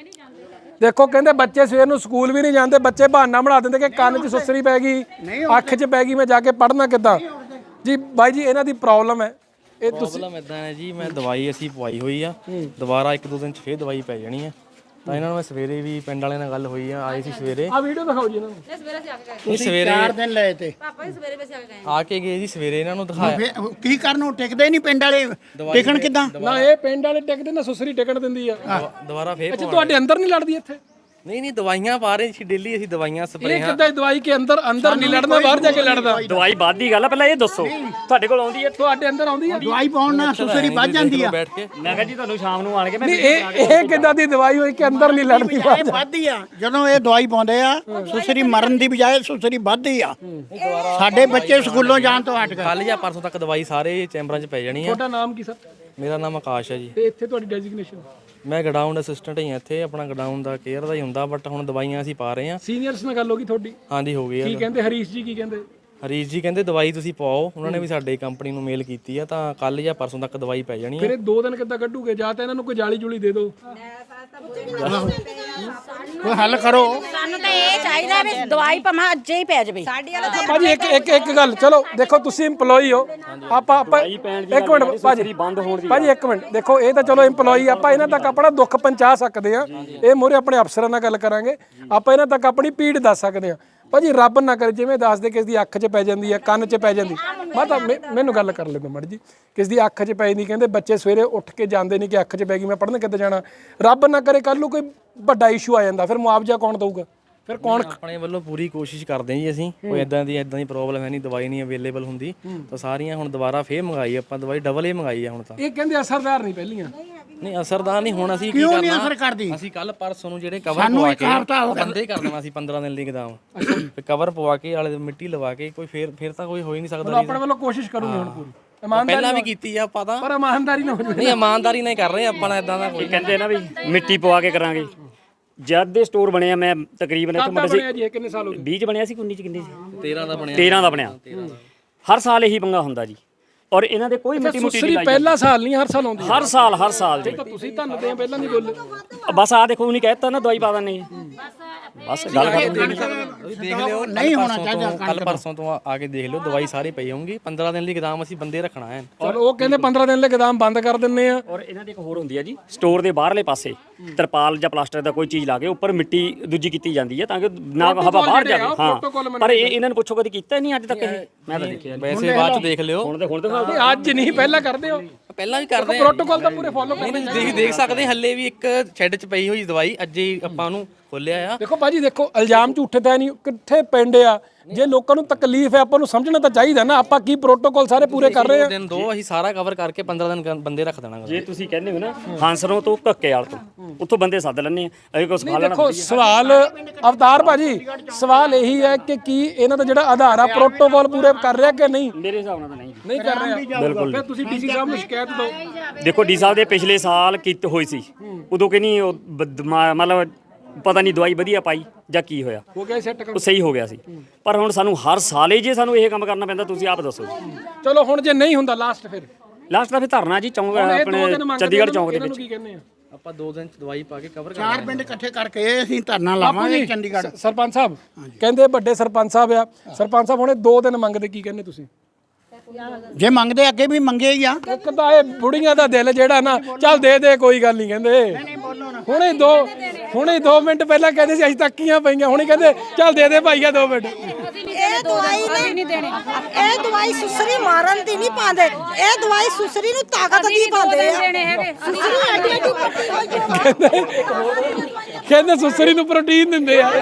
A: ਦੇਖੋ ਕਹਿੰਦੇ ਬੱਚੇ ਸਵੇਰ ਨੂੰ ਸਕੂਲ ਵੀ ਨਹੀਂ ਜਾਂਦੇ। ਬੱਚੇ ਬਹਾਨਾ ਬਣਾ ਦਿੰਦੇ ਕਿ ਕੰਨ 'ਚ ਸੁਸਰੀ ਪੈ ਗਈ, ਅੱਖ 'ਚ ਪੈ ਗਈ, ਮੈਂ ਜਾ ਕੇ ਪੜ੍ਹਨਾ ਕਿੱਦਾਂ? ਜੀ ਬਾਈ ਜੀ ਇਹਨਾਂ ਦੀ ਪ੍ਰੋਬਲਮ ਹੈ। ਇਹ ਤੁਸੀਂ
F: ਪ੍ਰੋਬਲਮ ਇਦਾਂ ਹੈ ਜੀ, ਮੈਂ ਦਵਾਈ ਅਸੀਂ ਪਵਾਈ ਹੋਈ ਆ। ਦੁਬਾਰਾ 1-2 ਦਿਨ 'ਚ ਫੇਰ ਦਵਾਈ ਪੈ ਜਾਣੀ ਆ। ਤਾਂ ਇਹਨਾਂ ਨੂੰ ਮੈਂ ਸਵੇਰੇ ਵੀ ਪਿੰਡ ਵਾਲਿਆਂ ਨਾਲ ਗੱਲ ਹੋਈ ਆ, ਆਏ ਸੀ ਸਵੇਰੇ।
A: ਆ ਵੀਡੀਓ ਦਿਖਾਓ ਜੀ ਇਹਨਾਂ ਨੂੰ।
C: ਸਵੇਰੇ ਅਸੀਂ ਆ ਕੇ ਗਏ
F: ਨਹੀਂ ਸਵੇਰੇ
B: 4 ਦਿਨ ਲਏ ਤੇ
C: ਪਾਪਾ ਜੀ, ਸਵੇਰੇ ਅਸੀਂ ਆ ਕੇ ਗਏ।
F: ਆ ਕੇ ਗਏ ਜੀ, ਸਵੇਰੇ ਇਹਨਾਂ ਨੂੰ ਦਿਖਾਇਆ।
B: ਫਿਰ ਕੀ ਕਰਨ ਨੂੰ ਟਿਕਦੇ ਨਹੀਂ ਪਿੰਡ ਵਾਲੇ। ਟਿਕਣ ਕਿੱਦਾਂ?
A: ਨਾ ਇਹ ਪਿੰਡ ਵਾਲੇ ਟਿਕਦੇ ਨਾ ਸੁਸਰੀ ਟਿਕਣ ਦਿੰਦੀ ਆ।
F: ਦੁਬਾਰਾ ਫੇਰ
A: ਅੱਛਾ ਤੁਹਾਡੇ ਅੰਦਰ ਨਹੀਂ ਲੜਦੀ ਇੱਥੇ?
F: ਨਹੀਂ ਦਵਾਈਆਂ ਪਾ ਰਹੇ ਸੀ ਡੇਲੀ ਅਸੀਂ, ਦਵਾਈਆਂ
A: ਇਹ
F: ਸਪਰੇਆਂ।
A: ਕਿੱਦਾਂ ਦਵਾਈ ਕੇ ਅੰਦਰ ਨਹੀਂ ਲੜਨਾ, ਬਾਹਰ ਜਾ ਕੇ ਲੜਦਾ?
D: ਦਵਾਈ ਵੱਧ ਦੀ ਗੱਲ ਆ, ਪਹਿਲਾਂ ਇਹ ਦੱਸੋ ਤੁਹਾਡੇ ਕੋਲ ਆਉਂਦੀ ਹੈ?
A: ਤੁਹਾਡੇ ਅੰਦਰ ਆਉਂਦੀ ਆ?
B: ਦਵਾਈ ਪਾਉਣ ਨਾਲ ਸੁਸਰੀ ਵੱਧ ਜਾਂਦੀ ਆ।
F: ਬੈਠ ਕੇ
D: ਮੈਂ ਕਿਹਾ ਜੀ ਤੁਹਾਨੂੰ ਸ਼ਾਮ ਨੂੰ ਆਣ ਕੇ ਮੈਂ
A: ਨਹੀਂ ਇਹ ਕਿੱਦਾਂ ਦੀ ਦਵਾਈ ਹੋਈ ਕਿ ਅੰਦਰ ਨਹੀਂ ਲੜਦੀ?
B: ਇਹ ਵੱਧਦੀ ਆ। ਜਦੋਂ ਇਹ ਦਵਾਈ ਪਾਉਂਦੇ ਆ ਸੁਸਰੀ ਮਰਨ ਦੀ ਬਜਾਏ ਸੁਸਰੀ ਵੱਧਦੀ ਆ। ਸਾਡੇ ਬੱਚੇ ਸਕੂਲੋਂ ਜਾਣ ਤੋਂ ਹਟ ਗਏ।
F: ਕੱਲ ਜਾਂ ਪਰਸੋਂ ਤੱਕ ਦਵਾਈ ਸਾਰੇ ਚੈਂਬਰਾਂ 'ਚ ਪੈ ਜਾਣੀ ਆ।
A: ਤੁਹਾਡਾ ਨਾਮ ਕੀ ਸਰ?
F: ਮੇਰਾ ਨਾਮ ਆਕਾਸ਼ ਹੈ ਜੀ।
A: ਤੇ ਇੱਥੇ ਤੁਹਾਡੀ ਡੈਜ਼ਿਗਨੇਸ਼ਨ?
F: ਮੈਂ ਗਡਾਊਨ ਅਸਿਸਟੈਂਟ ਹੀ ਹਾਂ ਇੱਥੇ। ਆਪਣਾ ਗਡਾਊਨ ਦਾ ਕੇਅਰ ਦਾ ਹੀ ਹੁੰਦਾ, ਬਟ ਹੁਣ ਦਵਾਈਆਂ ਅਸੀਂ ਪਾ ਰਹੇ ਹਾਂ।
A: ਸੀਨੀਅਰਸ ਨਾਲ ਗੱਲ ਹੋ ਗਈ ਤੁਹਾਡੀ?
F: ਹਾਂਜੀ ਹੋ ਗਈ
A: ਕੀ
F: ਆ।
A: ਕਹਿੰਦੇ ਹਰੀਸ਼ ਜੀ? ਕੀ ਕਹਿੰਦੇ?
F: ਹਰੀਸ਼ ਜੀ ਕਹਿੰਦੇ ਦਵਾਈ ਤੁਸੀਂ ਪਾਓ। ਉਹਨਾਂ ਨੇ ਵੀ ਸਾਡੇ ਕੰਪਨੀ ਨੂੰ ਮੇਲ ਕੀਤੀ ਆ, ਤਾਂ ਕੱਲ ਜਾਂ ਪਰਸੋਂ ਤੱਕ ਦਵਾਈ ਪੈ ਜਾਣੀ
A: ਫਿਰ
F: ਆ।
A: ਇਹ 2 ਦਿਨ ਕਿੱਦਾਂ ਕੱਢੂਗੇ? ਜਾਂ ਤਾਂ ਇਹਨਾਂ ਨੂੰ ਕੋਈ ਜਾਲੀ ਜੁਲੀ ਦੇ ਦਿਓ।
B: ਕੋਈ ਹੱਲ ਕਰੋ।
G: ਸਾਨੂੰ ਤਾਂ ਇਹ ਚਾਹੀਦਾ ਵੀ ਦਵਾਈ ਭਾਵੇਂ ਅੱਜ ਹੀ ਪੈ ਜਾਵੇ।
A: ਭਾਜੀ ਇੱਕ ਗੱਲ, ਚਲੋ ਦੇਖੋ ਤੁਸੀਂ EMPLOYE ਹੋ। ਆਪਾਂ ਇੱਕ ਮਿੰਟ ਭਾਜੀ, ਭਾਜੀ ਇੱਕ ਮਿੰਟ ਦੇਖੋ। ਇਹ ਤਾਂ ਚਲੋ EMPLOYE, ਆਪਾਂ ਇਹਨਾਂ ਤੱਕ ਆਪਣਾ ਦੁੱਖ ਪਹੁੰਚਾ ਸਕਦੇ ਆ। ਇਹ ਮੂਹਰੇ ਆਪਣੇ ਅਫਸਰਾਂ ਨਾਲ ਗੱਲ ਕਰਾਂਗੇ। ਆਪਾਂ ਇਹਨਾਂ ਤੱਕ ਆਪਣੀ ਪੀੜ ਦੱਸ ਸਕਦੇ ਆ। ਭਾਜੀ ਰੱਬ ਨਾ ਕਰੇ ਜਿਵੇਂ ਦੱਸਦੇ ਕਿਸ ਦੀ ਅੱਖ 'ਚ ਪੈ ਜਾਂਦੀ ਹੈ, ਕੰਨ 'ਚ ਪੈ ਜਾਂਦੀ। ਮੈਂ ਤਾਂ ਮੈਨੂੰ ਗੱਲ ਕਰ ਲੈਂਦਾ ਮੜ ਜੀ। ਕਿਸ ਦੀ ਅੱਖ 'ਚ ਪੈ ਜਾਂਦੀ, ਕਹਿੰਦੇ ਬੱਚੇ ਸਵੇਰੇ ਉੱਠ ਕੇ ਜਾਂਦੇ ਨਹੀਂ ਕਿ ਅੱਖ 'ਚ ਪੈ ਗਈ, ਮੈਂ ਪੜ੍ਹਨ ਕਿੱਦਾਂ ਜਾਣਾ? ਰੱਬ ਨਾ ਕਰੇ ਕੱਲ ਨੂੰ ਕੋਈ ਵੱਡਾ ਇਸ਼ੂ ਆ ਜਾਂਦਾ, ਫਿਰ ਮੁਆਵਜ਼ਾ ਕੌਣ ਦਊਗਾ? ਫਿਰ ਕੌਣ?
F: ਆਪਣੇ ਵੱਲੋਂ ਪੂਰੀ ਕੋਸ਼ਿਸ਼ ਕਰਦੇ ਹਾਂ ਜੀ ਅਸੀਂ। ਕੋਈ ਇਦਾਂ ਦੀ ਪ੍ਰੋਬਲਮ ਹੈ ਨਹੀਂ, ਦਵਾਈ ਨਹੀਂ ਅਵੇਲੇਬਲ ਹੁੰਦੀ ਤਾਂ ਸਾਰੀਆਂ ਹੁਣ ਦੁਬਾਰਾ ਫੇਰ ਮੰਗਾਈ ਆਪਾਂ ਦਵਾਈ, ਡਬਲ ਹੀ ਮੰਗਾਈ ਆ ਹੁਣ ਤਾਂ।
A: ਇਹ ਕਹਿੰਦੇ ਅਸਰਦਾਰ ਨਹੀਂ ਪਹਿਲੀਆਂ।
F: ਨਹੀਂ ਅਸਰਦਾਰ ਨਹੀਂ। ਹੁਣ ਅਸੀਂ ਕੀ
B: ਕਿਉਂ ਨਹੀਂ
F: ਕਰਨਾ,
B: ਅਸਰ ਕਰਦੀ?
F: ਅਸੀਂ ਕੱਲ ਪਰਸੋਂ ਨੂੰ ਜਿਹੜੇ ਕਵਰ ਪਵਾ ਕੇ ਬੰਦੇ ਕਰ ਦੇਣਾ ਸੀ 15 ਦਿਨ ਲਈ ਗਦਾਮ। ਤੇ ਕਵਰ ਪਵਾ ਕੇ ਆਲੇ ਮਿੱਟੀ ਲਵਾ ਕੇ ਕੋਈ ਫੇਰ ਤਾਂ ਕੋਈ ਹੋ ਹੀ ਨਹੀਂ ਸਕਦਾ।
A: ਆਪਣੇ ਵੱਲੋਂ ਕੋਸ਼ਿਸ਼ ਕਰੂਗੇ ਹੁਣ ਪੂਰੀ।
F: ਪਹਿਲਾਂ ਵੀ ਕੀਤੀ ਆ ਆਪਾਂ ਤਾਂ,
A: ਪਰ ਇਮਾਨਦਾਰੀ ਨਾਲ ਹੋ ਜਾਵੇ।
F: ਨਹੀਂ ਇਮਾਨਦਾਰੀ ਨਾਲ ਕਰ ਰਹੇ ਆਪਾਂ ਨਾਲ ਇਦਾਂ ਦਾ ਕੋਈ।
D: ਕਹਿੰਦੇ ਨਾ ਵੀ ਮਿੱਟੀ ਪਵਾ ਕੇ ਕਰਾਂਗੇ। ਜਦ ਦੇ ਸਟੋਰ ਬਣਿਆ ਮੈਂ ਤਕਰੀਬਨ ਇੱਥੇ ਮਤਲਬ
A: ਬਣਿਆ ਜੀ? ਕਿੰਨੇ ਸਾਲ ਹੋ ਗਏ?
D: 20 ਚ ਬਣਿਆ ਸੀ, 19 ਚ ਕਿੰਨੇ ਸੀ?
F: 13 ਦਾ ਬਣਿਆ।
D: 13 ਦਾ ਬਣਿਆ। ਹਰ ਸਾਲ ਇਹੀ ਪੰਗਾ ਹੁੰਦਾ ਜੀ। ਔਰ ਇਹਨਾਂ ਦੇ ਕੋਈ ਮਿੱਟੀ ਮੁੱਟੀ
A: ਸੁਸਰੀ ਪਹਿਲਾ ਸਾਲ ਨਹੀਂ, ਹਰ ਸਾਲ ਆਉਂਦੀ ਹੈ।
D: ਹਰ ਸਾਲ ਜੀ।
A: ਤਾਂ ਤੁਸੀਂ ਧੰਨਦੇ ਆ ਪਹਿਲਾਂ ਨਹੀਂ ਬੋਲੇ।
D: ਬਸ ਆ ਦੇਖੋ ਉਹਨੇ ਕਹਿਤਾ ਨਾ ਦਵਾਈ ਪਾ ਦਿੰਦੇ ਬਸ ਗੱਲ ਖਤਮ।
F: ਦੇਖ ਲਿਓ
B: ਨਹੀਂ ਹੋਣਾ ਚਾਹੀਦਾ
F: ਕੱਲ ਪਰਸੋਂ ਤੋਂ ਆ ਕੇ ਦੇਖ ਲਿਓ ਦਵਾਈ ਸਾਰੀ ਪਈ ਹੋਊਗੀ 15 ਦਿਨ ਲਈ ਗੋਦਾਮ ਅਸੀਂ ਬੰਦੇ ਰੱਖਣਾ ਹੈ
A: ਔਰ ਉਹ ਕਹਿੰਦੇ 15 ਦਿਨ ਲਈ ਗੋਦਾਮ ਬੰਦ ਕਰ ਦਿੰਨੇ ਆ।
D: ਔਰ ਇਹਨਾਂ ਦੀ ਇੱਕ ਹੋਰ ਹੁੰਦੀ ਹੈ ਜੀ, ਸਟੋਰ ਦੇ ਬਾਹਰਲੇ ਪਾਸੇ ਤਰਪਾਲ ਜਾਂ ਪਲਾਸਟਰ ਦਾ ਕੋਈ ਚੀਜ਼ ਲਾ ਕੇ ਉੱਪਰ ਮਿੱਟੀ ਦੂਜੀ ਕੀਤੀ ਜਾਂਦੀ ਹੈ ਤਾਂ ਕਿ ਨਾ ਹਵਾ ਬਾਹਰ ਜਾਵੇ। ਹਾਂ, ਪਰ ਇਹਨਾਂ ਨੂੰ ਪੁੱਛੋ ਕਦੀ ਕੀਤਾ ਨਹੀਂ ਅੱਜ ਤੱਕ ਇਹ, ਮੈਂ ਤਾਂ ਦੇਖਿਆ
F: ਵੈਸੇ ਬਾਅਦ ਚ ਦੇਖ ਲਿਓ
D: ਹੁਣ ਤੇ
A: ਅੱਜ ਨਹੀਂ ਪਹਿਲਾਂ ਕਰਦੇ ਹੋ
F: ਪਹਿਲਾਂ ਵੀ ਕਰਦੇ
A: ਪ੍ਰੋਟੋਕਾਲ ਤਾਂ ਪੂਰੇ ਫੋਲੋ ਕਰਦੇ।
F: ਨਹੀਂ ਦੇਖ ਸਕਦੇ ਹੱਲੇ ਵੀ ਇੱਕ ਸ਼ੈੱਡ 'ਚ ਪਈ ਹੋਈ ਦਵਾਈ ਅੱਜ ਹੀ ਆਪਾਂ ਉਹਨੂੰ ਖੋਲਿਆ ਆ।
A: ਦੇਖੋ ਭਾਜੀ ਦੇਖੋ ਇਲਜ਼ਾਮ ਝੂਠੇ ਤਾਂ ਨਹੀਂ, ਕਿੱਥੇ ਪਿੰਡ ਆ, ਜੇ ਲੋਕਾਂ ਨੂੰ ਤਕਲੀਫ ਹੈ ਆਪਾਂ ਨੂੰ ਸਮਝਣਾ ਤਾਂ ਚਾਹੀਦਾ ਨਾ। ਆਪਾਂ ਕੀ ਪ੍ਰੋਟੋਕਾਲ ਸਾਰੇ ਪੂਰੇ ਕਰ ਰਹੇ ਆ।
F: ਦਿਨ ਦੋ ਅਸੀਂ ਸਾਰਾ ਕਵਰ ਕਰਕੇ 15 ਦਿਨ ਬੰਦੇ ਰੱਖ ਦੇਣਾ।
D: ਜੇ ਤੁਸੀਂ ਕਹਿੰਦੇ ਹੋ ਨਾ ਹਾਂਸਰੋਂ ਤੋਂ ਧੱਕੇ ਵਾਲ ਤੋਂ ਉੱਥੋਂ ਬੰਦੇ ਸੱਦ ਲੈਣੇ ਆ ਅਸੀਂ ਕੁਝ ਖਾ ਲੈਣਾ।
A: ਦੇਖੋ ਸਵਾਲ ਅਵਤਾਰ ਭਾਜੀ ਸਵਾਲ ਇਹੀ ਹੈ ਕਿ ਕੀ ਇਹਨਾਂ ਦਾ ਜਿਹੜਾ ਆਧਾਰ ਆ ਪ੍ਰੋਟੋਕਾਲ ਪੂਰੇ ਕਰ ਰਿਹਾ ਕਿ ਨਹੀਂ?
D: ਮੇਰੇ ਹਿਸਾਬ ਨਾਲ ਤਾਂ ਨਹੀਂ
A: ਨਹੀਂ ਕਰ ਰਿਹਾ।
D: ਬਿਲਕੁਲ
A: ਫਿਰ ਤੁਸੀਂ ਡੀਸੀ ਸਾਹਿਬ ਨੂੰ ਸ਼ਿਕਾਇਤ ਦਿਓ।
D: ਦੇਖੋ ਡੀ ਸਾਹਿਬ ਦੇ ਪਿਛਲੇ ਸਾਲ ਕੀਤੀ ਹੋਈ ਸੀ, ਉਦੋਂ ਕਿ ਨਹੀਂ ਮਤਲਬ ਪਤਾ ਨਹੀਂ ਦਵਾਈ ਵਧੀਆ ਪਾਈ ਜਾਂ ਕੀ ਹੋਇਆ,
A: ਹੋ ਗਿਆ ਸੈੱਟ
D: ਉਹ ਸਹੀ ਹੋ ਗਿਆ ਸੀ। ਪਰ ਹੁਣ ਸਾਨੂੰ ਹਰ ਸਾਲ ਹੀ ਜੇ ਸਾਨੂੰ ਇਹ ਕੰਮ ਕਰਨਾ ਪੈਂਦਾ, ਤੁਸੀਂ ਆਪ ਦੱਸੋ ਜੀ।
A: ਚਲੋ ਹੁਣ ਜੇ ਨਹੀਂ ਹੁੰਦਾ ਲਾਸਟ ਫਿਰ
D: ਲਾਸਟ ਦਾ ਫਿਰ ਧਰਨਾ ਜੀ ਚੌਂਕ ਆਪਣੇ ਚੰਡੀਗੜ੍ਹ ਚੌਂਕ ਦੇ ਵਿੱਚ।
A: ਕੀ ਕਹਿੰਦੇ ਆ
F: ਆਪਾਂ 2 ਦਿਨ ਚ ਦਵਾਈ ਪਾ ਕੇ ਕਵਰ ਕਰ
B: 4 ਪਿੰਡ ਇਕੱਠੇ ਕਰਕੇ ਅਸੀਂ ਧਰਨਾ ਲਾਵਾਂਗੇ ਚੰਡੀਗੜ੍ਹ।
A: ਸਰਪੰਚ ਸਾਹਿਬ ਕਹਿੰਦੇ ਵੱਡੇ ਸਰਪੰਚ ਸਾਹਿਬ ਆ, ਸਰਪੰਚ ਸਾਹਿਬ ਹੁਣੇ 2 ਦਿਨ ਮੰਗਦੇ, ਕੀ ਕਹਿੰਦੇ ਤੁਸੀਂ?
B: ਜੇ ਮੰਗਦੇ ਅੱਗੇ ਵੀ ਮੰਗੇ ਹੀ ਆ।
A: ਇੱਕ ਤਾਂ ਇਹ ਬੁੜੀਆਂ ਦਾ ਦਿਲ ਜਿਹੜਾ ਨਾ ਚੱਲ ਦੇ ਦੇ ਕੋਈ ਗੱਲ ਨਹੀਂ ਕਹਿੰਦੇ। ਹੁਣੇ 2 ਮਿੰਟ ਪਹਿਲਾਂ ਕਹਿੰਦੇ ਸੀ ਅਸੀਂ ਤੱਕੀਆਂ ਪਈਆਂ, ਹੁਣੇ ਕਹਿੰਦੇ ਚੱਲ ਦੇ ਦੇ ਭਾਈਆ 2 ਮਿੰਟ।
E: ਇਹ ਦਵਾਈ ਨਹੀਂ ਦੇਣੀ, ਇਹ ਦਵਾਈ ਸੁਸਰੀ ਮਾਰਨ ਦੀ ਨਹੀਂ ਪਾਉਂਦੇ, ਇਹ ਦਵਾਈ ਸੁਸਰੀ ਨੂੰ ਤਾਕਤ ਦੀ ਪਾਉਂਦੇ ਆ। ਸੁਸਰੀ ਐਡੀ ਐਡੀ ਪੱਟੀ ਹੋਈ
A: ਕਹਿੰਦੇ ਸੁਸਰੀ ਨੂੰ ਪ੍ਰੋਟੀਨ ਦਿੰਦੇ ਆ।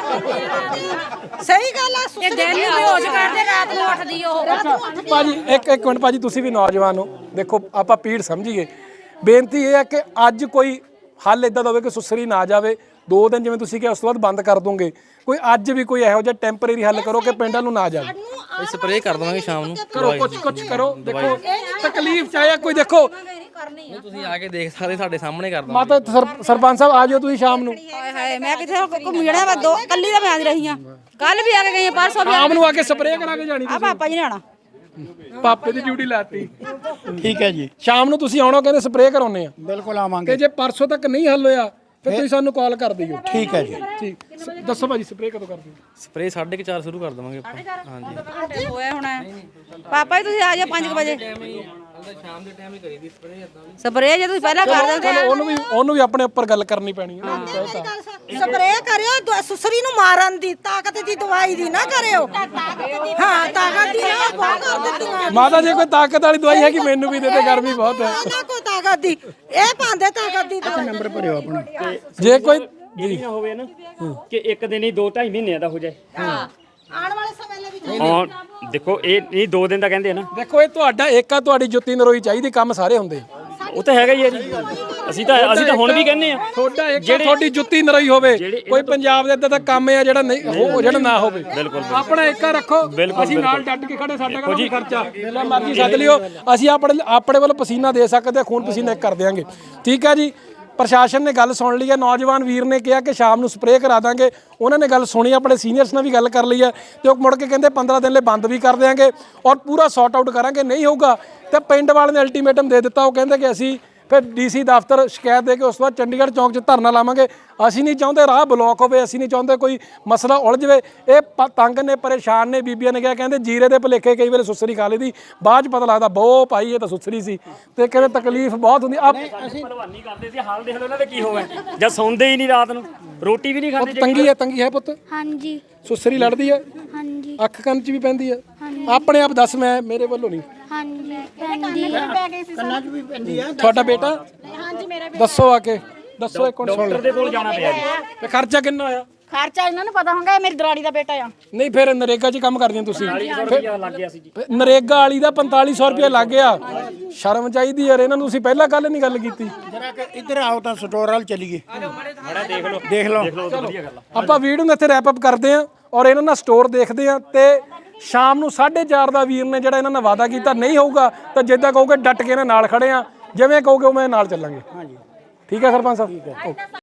E: ਸਹੀ ਗੱਲ ਆ। ਸੁਸਰੀ
G: ਦਿਨ ਨੂੰ ਬੇਹੋਸ਼ ਕਰਦੇ, ਰਾਤ ਨੂੰ ਉੱਠਦੀ ਉਹ।
A: ਭਾਜੀ ਇੱਕ ਮਿੰਟ ਭਾਜੀ, ਤੁਸੀਂ ਵੀ ਨੌਜਵਾਨ ਹੋ, ਦੇਖੋ ਆਪਾਂ ਪੀੜ ਸਮਝੀਏ। ਬੇਨਤੀ ਇਹ ਹੈ ਕਿ ਅੱਜ ਕੋਈ ਹੱਲ ਇਦਾਂ ਦਾ ਹੋਵੇ ਕਿ ਸੁਸਰੀ ਨਾ ਜਾਵੇ। 2 ਦਿਨ ਜਿਵੇਂ ਤੁਸੀਂ ਕਿਹਾ ਉਸ ਤੋਂ ਬਾਅਦ ਬੰਦ ਕਰ ਦੋਗੇ, ਕੋਈ ਅੱਜ ਵੀ ਕੋਈ ਇਹੋ ਜਿਹਾ ਟੈਂਪਰੇਰੀ ਹੱਲ ਕਰੋ ਕਿ ਪਿੰਡਾਂ ਨੂੰ ਨਾ ਜਾਵੇ।
F: ਅਸੀਂ ਸਪਰੇਅ ਕਰ ਦਵਾਂਗੇ ਸ਼ਾਮ ਨੂੰ।
A: ਕਰੋ ਕੁਝ ਕਰੋ। ਦੇਖੋ ਤਕਲੀਫ ਚਾਹੇ ਕੋਈ ਦੇਖੋ
F: ਤੁਸੀਂ ਆ ਕੇ ਦੇਖ ਸਕਦੇ, ਸਾਡੇ ਸਾਹਮਣੇ ਕਰ ਦਵਾਂਗੇ।
A: ਮਾਤਾ ਸਰਪੰਚ ਸਾਹਿਬ ਆ ਜਾਓ ਤੁਸੀਂ ਸ਼ਾਮ ਨੂੰ।
C: ਹਾਏ ਹਾਏ ਮੈਂ ਕਿੱਥੇ ਘੁੰਮ ਜਾਣਾ, ਮੈਂ ਕੱਲੀ ਤਾਂ ਮੈਂ ਆਂਦੀ ਰਹੀ ਆ, ਕੱਲ ਵੀ ਆ ਕੇ ਗਈ ਆ, ਪਰਸੋਂ ਵੀ
A: ਸ਼ਾਮ ਨੂੰ ਆ ਕੇ ਸਪਰੇਅ ਕਰਾ ਕੇ ਜਾਣੀ।
C: ਆ ਪਾਪਾ ਜੀ ਨੇ ਆਣਾ,
A: ਪਾਪੇ ਦੀ ਡਿਊਟੀ ਲਾਤੀ।
B: ਠੀਕ ਹੈ ਜੀ,
A: ਸ਼ਾਮ ਨੂੰ ਤੁਸੀਂ ਆਉਣਾ, ਕਹਿੰਦੇ ਸਪਰੇਅ ਕਰਾਉਣੇ ਆ।
B: ਬਿਲਕੁਲ
A: ਤੇ
B: ਆਵਾਂਗੇ।
A: ਜੇ ਪਰਸੋਂ ਤੱਕ ਨਹੀਂ ਹੱਲ ਹੋਇਆ ਫਿਰ ਤੁਸੀਂ ਸਾਨੂੰ ਕਾਲ ਕਰ ਦਿਓ।
B: ਠੀਕ ਹੈ ਜੀ।
A: ਠੀਕ ਦੱਸੋ ਭਾਜੀ ਸਪਰੇਅ ਕਦੋਂ ਕਰਦੇ ਹੋ?
F: ਸਪਰੇਅ 4:30 ਸ਼ੁਰੂ ਕਰ ਦਵਾਂਗੇ ਆਪਾਂ। ਹਾਂਜੀ
C: ਹੋਇਆ ਹੋਣਾ ਪਾਪਾ ਜੀ, ਤੁਸੀਂ ਆ ਜਾਓ 5 ਵਜੇ।
F: ਸ਼ਾਮ ਦੇ ਟਾਈਮ ਹੀ ਕਰੀਦੀ ਸਪਰੇਅ ਇਦਾਂ ਵੀ।
C: ਸਪਰੇਅ ਜੇ ਤੁਸੀਂ ਪਹਿਲਾਂ ਕਰ ਦਿੰਦੇ
A: ਚਲੋ ਉਹਨੂੰ ਵੀ ਆਪਣੇ ਉੱਪਰ ਗੱਲ ਕਰਨੀ ਪੈਣੀ ਹੈ।
E: ਸਪਰੇਅ ਕਰਿਓ ਸੁਸਰੀ ਨੂੰ ਮਾਰਨ ਦੀ, ਤਾਕਤ ਦੀ ਦਵਾਈ ਦੀ ਨਾ ਕਰਿਓ। ਹਾਂ ਤਾਕਤ ਦੀ ਨਾ ਬਹੁਤ ਕਰ ਦਿੱਤੀਆਂ।
A: ਮਾਤਾ ਜੇ ਕੋਈ ਤਾਕਤ ਵਾਲੀ ਦਵਾਈ ਹੈਗੀ ਮੈਨੂੰ ਵੀ ਦੇ ਦੇ, ਗਰਮੀ ਬਹੁਤ ਹੈ।
E: ਨਾ ਕੋਈ ਤਾਕਤ ਦੀ, ਇਹ ਪਾਉਂਦੇ ਤਾਕਤ ਦੀ ਦਵਾਈ।
B: ਨੰਬਰ ਭਰਿਓ ਆਪਣਾ।
A: ਜੇ ਕੋਈ
D: ਇਹ ਨਾ ਹੋਵੇ ਨਾ ਕਿ ਇੱਕ ਦਿਨ ਹੀ 2-2.5 ਮਹੀਨਿਆਂ ਦਾ ਹੋ ਜਾਏ।
E: ਆਉਣ ਵਾਲੇ ਸਮੇਂ ਲਈ ਵੀ
D: ਹਾਂ ਦੇਖੋ ਇਹ 2 ਦਿਨ ਦਾ ਕਹਿੰਦੇ ਆ ਨਾ,
A: ਦੇਖੋ ਇਹ ਤੁਹਾਡਾ ਏਕਾ, ਤੁਹਾਡੀ ਜੁੱਤੀ ਨਰੋਈ ਚਾਹੀਦੀ, ਕੰਮ ਸਾਰੇ ਹੁੰਦੇ।
D: ਉਹ ਤਾਂ ਹੈਗਾ ਹੀ ਹੈ ਜੀ। ਅਸੀਂ ਤਾਂ ਹੁਣ ਵੀ ਕਹਿੰਦੇ ਆ
A: ਤੁਹਾਡਾ ਏਕਾ, ਤੁਹਾਡੀ ਜੁੱਤੀ ਨਰੋਈ ਹੋਵੇ। ਕੋਈ ਪੰਜਾਬ ਦੇ ਇਦਾਂ ਦਾ ਕੰਮ ਆ ਜਿਹੜਾ ਨਹੀਂ ਉਹ ਜਿਹੜਾ ਨਾ ਹੋਵੇ। ਆਪਣਾ ਏਕਾ ਰੱਖੋ, ਅਸੀਂ ਨਾਲ ਡੱਟ ਕੇ ਖੜੇ। ਸਾਡਾ ਕੋਈ ਖਰਚਾ ਜਿੰਨਾ ਮਰਜ਼ੀ ਸੱਦ ਲਿਓ, ਅਸੀਂ ਆਪਣੇ ਵੱਲ ਪਸੀਨਾ ਦੇ ਸਕਦੇ, ਖੂਨ ਪਸੀਨਾ ਕਰ ਦਿਆਂਗੇ। ਠੀਕ ਹੈ ਜੀ। ਪ੍ਰਸ਼ਾਸਨ ਨੇ ਗੱਲ ਸੁਣ ਲਈ ਹੈ। ਨੌਜਵਾਨ ਵੀਰ ਨੇ ਕਿਹਾ ਕਿ ਸ਼ਾਮ ਨੂੰ ਸਪਰੇਅ ਕਰਾ ਦਾਂਗੇ, ਉਹਨਾਂ ਨੇ ਗੱਲ ਸੁਣੀ, ਆਪਣੇ ਸੀਨੀਅਰਸ ਨਾਲ ਵੀ ਗੱਲ ਕਰ ਲਈ ਹੈ ਤੇ ਉਹ ਮੁੜ ਕੇ ਕਹਿੰਦੇ 15 ਦਿਨ ਲਈ ਬੰਦ ਵੀ ਕਰ ਦਿਆਂਗੇ ਔਰ ਪੂਰਾ ਸੌਟ ਆਊਟ ਕਰਾਂਗੇ। ਨਹੀਂ ਹੋਊਗਾ ਤੇ ਪਿੰਡ ਵਾਲੇ ਨੇ ਅਲਟੀਮੇਟਮ ਦੇ ਦਿੱਤਾ। ਉਹ ਕਹਿੰਦੇ ਕਿ ਅਸੀਂ ਫਿਰ ਡੀਸੀ ਦਫ਼ਤਰ ਸ਼ਿਕਾਇਤ ਦੇ ਕੇ ਉਸ ਤੋਂ ਬਾਅਦ ਚੰਡੀਗੜ੍ਹ ਚੌਂਕ 'ਚ ਧਰਨਾ ਲਾਵਾਂਗੇ। ਅਸੀਂ ਨਹੀਂ ਚਾਹੁੰਦੇ ਰਾਹ ਬਲੌਕ ਹੋਵੇ, ਅਸੀਂ ਨਹੀਂ ਚਾਹੁੰਦੇ ਕੋਈ ਮਸਲਾ ਉਲਝ ਜਾਵੇ। ਇਹ ਤੰਗ ਨੇ, ਪਰੇਸ਼ਾਨ ਨੇ। ਬੀਬੀਆਂ ਨੇ ਕਿਹਾ, ਕਹਿੰਦੇ ਜੀਰੇ ਦੇ ਭੁਲੇਖੇ ਕਈ ਵੇਲੇ ਸੁਸਰੀ ਖਾ ਲਈਦੀ, ਬਾਅਦ 'ਚ ਪਤਾ ਲੱਗਦਾ ਬਹੁ ਭਾਈ ਇਹ ਤਾਂ ਸੁਸਰੀ ਸੀ। ਤੇ ਕਹਿੰਦੇ ਤਕਲੀਫ ਬਹੁਤ ਹੁੰਦੀ।
D: ਅਸੀਂ ਭਲਵਾਨੀ ਕਰਦੇ ਸੀ, ਹਾਲ ਦੇਖ ਲਓ ਉਹਨਾਂ ਦੇ ਕੀ ਹੋਵੇ। ਜਦ ਸੌਂਦੇ ਹੀ ਨਹੀਂ ਰਾਤ ਨੂੰ, ਰੋਟੀ ਵੀ ਨਹੀਂ ਖਾਂਦੇ।
A: ਤੰਗੀ ਹੈ ਪੁੱਤ?
H: ਹਾਂਜੀ
A: ਸੁਸਰੀ ਲੜਦੀ ਹੈ?
H: ਹਾਂਜੀ
A: ਅੱਖ ਕੰਨ 'ਚ ਵੀ ਪੈਂਦੀ ਹੈ? ਆਪਣੇ ਆਪ ਦੱਸ, ਮੈਂ ਮੇਰੇ ਵੱਲੋਂ ਨਹੀਂ।
H: ਹਾਂਜੀ ਪੈਂਦੀ ਆ।
B: ਕੰਨਾਂ 'ਚ ਵੀ ਪੈਂਦੀ ਆ।
A: ਤੁਹਾਡਾ ਬੇਟਾ? ਹਾਂਜੀ ਮੇਰਾ ਬੇਟਾ। ਦੱਸੋ ਆ ਕੇ ਦੱਸੋ, ਇੱਕ ਮਿੰਟ ਸੁਣ
D: ਡਾਕਟਰ ਦੇ ਕੋਲ ਜਾਣਾ ਪਿਆ ਜੀ।
A: ਤੇ ਖਰਚਾ ਕਿੰਨਾ ਹੋਇਆ?
G: ਖਰਚਾ ਇਹਨਾਂ ਨੂੰ ਪਤਾ ਹੋਊਗਾ, ਇਹ ਮੇਰੀ ਦਰਾੜੀ ਦਾ ਬੇਟਾ ਆ।
A: ਨਹੀਂ ਫਿਰ ਨਰੇਗਾ 'ਚ ਕੰਮ ਕਰਦੀਆਂ ਤੁਸੀਂ?
D: 40 ਰੁਪਇਆ ਲੱਗ ਗਿਆ ਸੀ ਜੀ।
A: ਨਰੇਗਾ ਵਾਲੀ ਦਾ 4500 ਰੁਪਇਆ ਲੱਗ ਗਿਆ। ਸ਼ਰਮ ਚਾਹੀਦੀ ਯਾਰ ਇਹਨਾਂ ਨੂੰ। ਤੁਸੀਂ ਪਹਿਲਾਂ ਕੱਲ ਨਹੀਂ ਗੱਲ ਕੀਤੀ।
B: ਜਰਾ ਕਿ ਇੱਧਰ ਆਓ ਤਾਂ ਸਟੋਰ ਵਾਲ ਚਲੀਏ। ਦੇਖ ਲਓ।
D: ਵਧੀਆ ਗੱਲ ਆ।
A: ਆਪਾਂ ਵੀਡੀਓ ਨੂੰ ਇੱਥੇ ਰੈਪ ਅਪ ਕਰਦੇ ਆਂ ਔਰ ਇਹਨਾਂ ਨਾਲ ਸਟੋਰ ਦੇਖਦੇ ਆਂ ਤੇ ਸ਼ਾਮ ਨੂੰ 4:30 ਦਾ ਵੀਰ ਨੇ ਜਿਹੜਾ ਇਹਨਾਂ ਨਾਲ ਵਾਅਦਾ ਕੀਤਾ, ਨਹੀਂ ਹੋਊਗਾ ਤਾਂ ਜਿੱਦਾਂ ਕਹੋਗੇ ਡਟ ਕੇ ਇਹਨਾਂ ਨਾਲ ਖੜੇ ਆਂ, ਜਿਵੇਂ ਕਹੋਗੇ ਉਹ ਮੈਂ ਨਾਲ ਚੱਲਾਂਗੇ। ਠੀਕ ਹੈ ਸਰਪੰਚ ਸਾਹਿਬ?